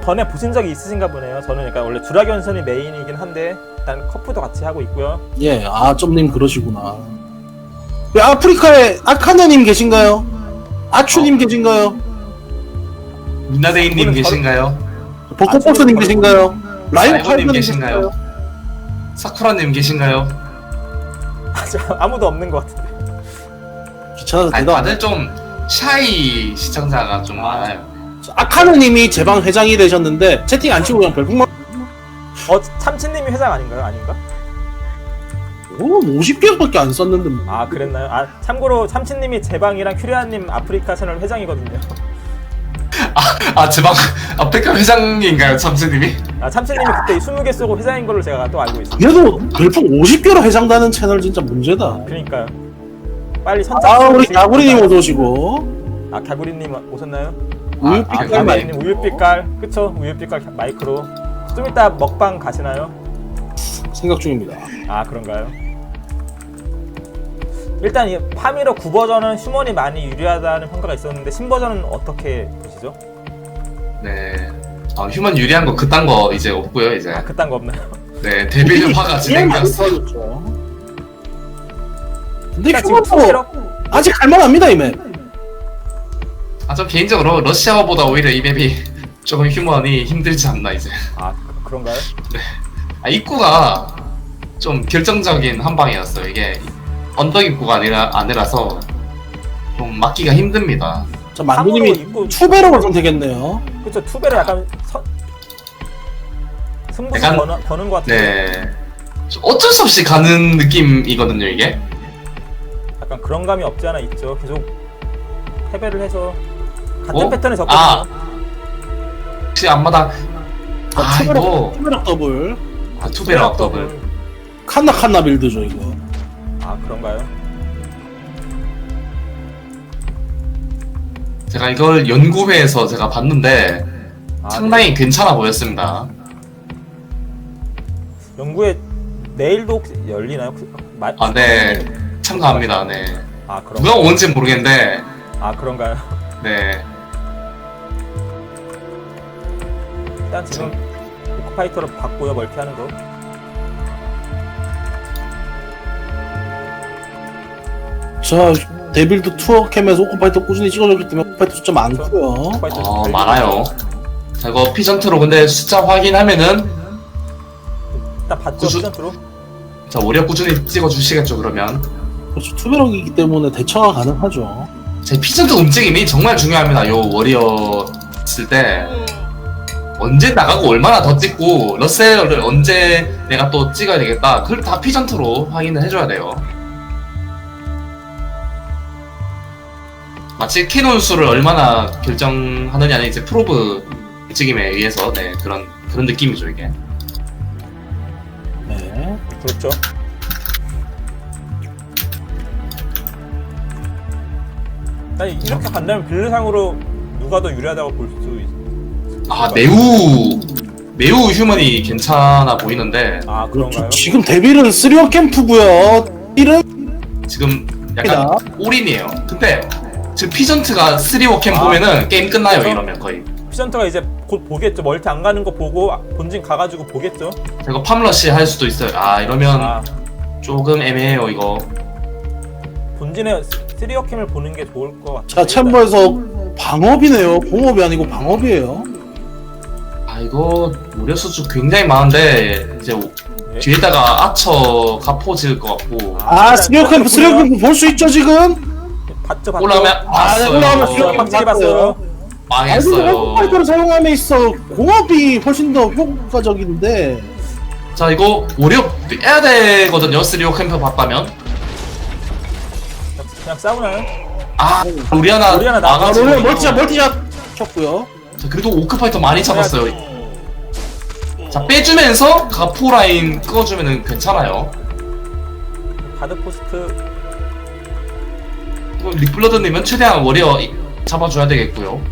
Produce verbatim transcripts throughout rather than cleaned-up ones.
전에 보신 적이 있으신가 보네요. 저는 그러니까 원래 주라견선이 메인이긴 한데 일단 커프도 같이 하고 있고요. 예, 아, 점님 그러시구나. 예, 아프리카에 아카네님 계신가요? 아추님 어. 계신가요? 민나데이님 그분은 계신가요? 벚꽃버스님 계신가요? 라이브 라이브님 팔브님 계신가요? 계신가요? 사쿠라님 계신가요? 아무도 없는 것 같은데. 귀찮아서 아니, 대답 안 다들 좀 샤이 시청자가 좀 많아요. 해요. 아카네님이 제 방 회장이 되셨는데 채팅 안 치고 그냥 별풍만 어 참치님이 회장 아닌가요? 아닌가? 오, 오십 개밖에 안 썼는데 뭐. 아 그랬나요? 아 참고로 참치님이 제 방이랑 큐리아님 아프리카 채널 회장이거든요. 아, 제방 아프리카 회장인가요, 참스님이? 아 참치님이 그때 스무 개 쏘고 회장인 걸로 제가 또 알고 있어요. 그래도 별풍 오십 개로 회장다는 채널 진짜 문제다. 그러니까요. 빨리 선착. 아, 우리 가구리님 어서 오시고. 아 가구리님 오셨나요? 아, 우유빛 아 가구리. 깔 가구리님 우유빛깔 그쵸? 우유빛깔 마이크로. 좀 이따 먹방 가시나요? 생각 중입니다. 아 그런가요? 일단 이 파미러 구 버전은 휴먼이 많이 유리하다는 평가가 있었는데 십 버전은 어떻게 보시죠? 네. 아, 휴먼 유리한 거 그딴 거 이제 없고요, 이제. 아 그딴 거 없나요? 네, 데빌화가 진행되었어. 근데 일단 지금 휴먼도 파미러 아직 할만합니다 이 맵. 아, 전 개인적으로 러시아어보다 오히려 이 맵이 조금 휴먼이 힘들지 않나, 이제. 아 그- 그런가요? 아, 입구가 좀 결정적인 한 방이었어요. 이게 언덕 입구가 아니라, 아니라서 좀 막기가 힘듭니다. 자, 참고로 만두님이 입구 투베럭을 선택했네요. 그쵸 투베르 약간 서... 승부수 약간- 버는, 버는 것 같은데 네. 좀 어쩔 수 없이 가는 느낌이거든요, 이게. 약간 그런 감이 없지 않아 있죠. 계속 패배를 해서 같은 어? 패턴에 접거든요. 아. 혹시 앞마당. 자, 아, 투베럭, 이거. 투베럭 더블. 아, 투베럭 더블. 칸나 칸나 빌드죠 이거. 아 그런가요? 제가 이걸 연구회에서 제가 봤는데 아, 상당히 괜찮아 보였습니다. 네. 연구에 내일도 혹시 열리나요? 그- 마... 아, 네. 참가합니다, 네. 아 그런 누가 오는지 모르겠는데, 아 그런가요? 네. 일단 지금 오크파이터로 바꾸요 멀티하는 거. 자, 데빌드 투어 캠에서 오코파이터 꾸준히 찍어줬기 때문에 오코파이터 숫자 많고요. 오크파이터 어, 좀 많아요. 자, 이거 피전트로 근데 숫자 확인하면은, 일단 봤죠 구수- 피전트로. 자, 오히려 꾸준히 찍어주시겠죠, 그러면. 그렇죠. 투베럭이기 때문에 대처가 가능하죠. 제 피전트 움직임이 정말 중요합니다. 요 워리어 쓸 때. 언제 나가고 얼마나 더 찍고, 러셀을 언제 내가 또 찍어야 되겠다. 그걸 다 피전트로 확인을 해줘야 돼요. 마치 캐논 수를 얼마나 결정하느냐는 이제 프로브 움직임에 의해서, 네, 그런, 그런 느낌이죠, 이게. 네. 그렇죠. 나 이렇게 간다면 빌드상으로 누가 더 유리하다고 볼 수 있. 아, 매우, 매우 휴먼이 괜찮아 보이는데, 아 그런가요? 지금 데빌은 쓰리원 캠프고요. 데빌은 지금 약간 올인이에요. 근데, 지금 피전트가 쓰리워 캠 아. 보면은 게임 끝나요, 그래서? 이러면 거의. 피전터가 이제 곧 보겠죠. 멀티 안 가는 거 보고 본진 가가지고 보겠죠. 이거 팜러시 할 수도 있어요. 아, 이러면 아 조금 애매해요, 이거. 본진에 쓰리어캠을 보는 게 좋을 것 같아요. 자, 챔버에서 방업이네요. 공업이 아니고 방업이에요. 아, 이거 무려 수주 굉장히 많은데, 이제 네. 뒤에다가 아처 가포 지을 것 같고, 아, 쓰리원 캠프, 쓰리원 캠프 볼 수 있죠 지금? 봤죠, 봤죠. 올라오면 아, 봤어요. 올라오면 봤어요. 쓰리원 확실히 캠프 봤어요. 망했어요. 오코파이터를 사용함에 있어 공업이 훨씬 더 효과적인데. 자, 이거 오려 빼야 되거든요, 쓰리워 캠프 봤다면. 그냥 싸우나요? 아, 우리하나 우리하나 아, 나가지고. 오늘 멀티샷 멀티샷 쳤고요. 자, 그래도 오크파이터 많이 잡았어요. 자, 빼주면서 가포 라인 끄어주면은 괜찮아요. 가드 포스트 이거 릭블러드님은 최대한 워리어 이- 잡아줘야 되겠고요.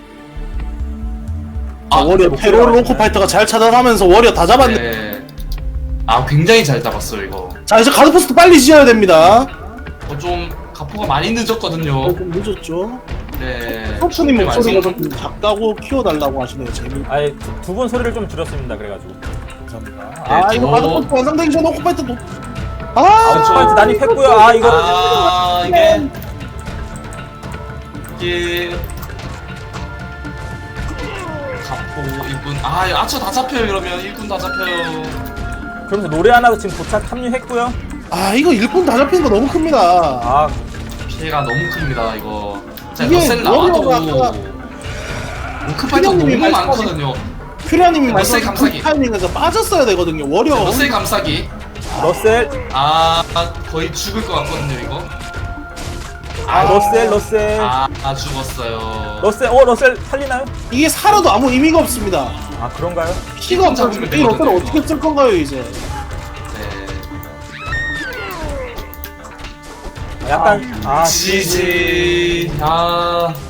아, 워리어 페로를 오코파이터가 잘 차단하면서 워리어 다 잡았네. 네. 아, 굉장히 잘 잡았어요, 이거. 자, 이제 가드포스트 빨리 지어야 됩니다. 어, 좀 가포가 많이 늦었거든요. 어, 좀 늦었죠. 네. 소프님 목소리가 말씀- 좀 작다고 키워달라고 하시네요. 재미. 아예 두 분 소리를 좀 줄였습니다. 그래가지고. 감사합니다. 네, 아 이거 저- 바둑 완성되기 전에 오코파이트 도. 아, 아, 오코파이트 난입했고요. 아 이거 아 이게 이게 갑보 일꾼 아 아처 다 잡혀요. 이러면 일꾼 다 잡혀요. 그러면서 노래 하나도 지금 도착 합류했고요. 아 이거 일꾼 다 잡히는 거 너무 큽니다. 아 피해가 너무 큽니다. 이거 자 이게 러셀 나와도 워리어가 오크파이터 너무 피디님이 많거든요. 퓨리아님이 러셀 말씀하신 감싸기. 그 타이밍에서 빠졌어야 되거든요. 워리어가 러셀 감싸기 러셀, 아 거의 죽을 것 같거든요. 이거 아 러셀, 러셀, 아, 아 죽었어요. 러셀. 어 러셀 살리나요? 이게 살아도 아무 의미가 없습니다. 아 그런가요? 피가 없어서 잡으면 이 러셀을 되거든요, 어떻게 이거. 쓸 건가요 이제? 네. 약간 아 지지 아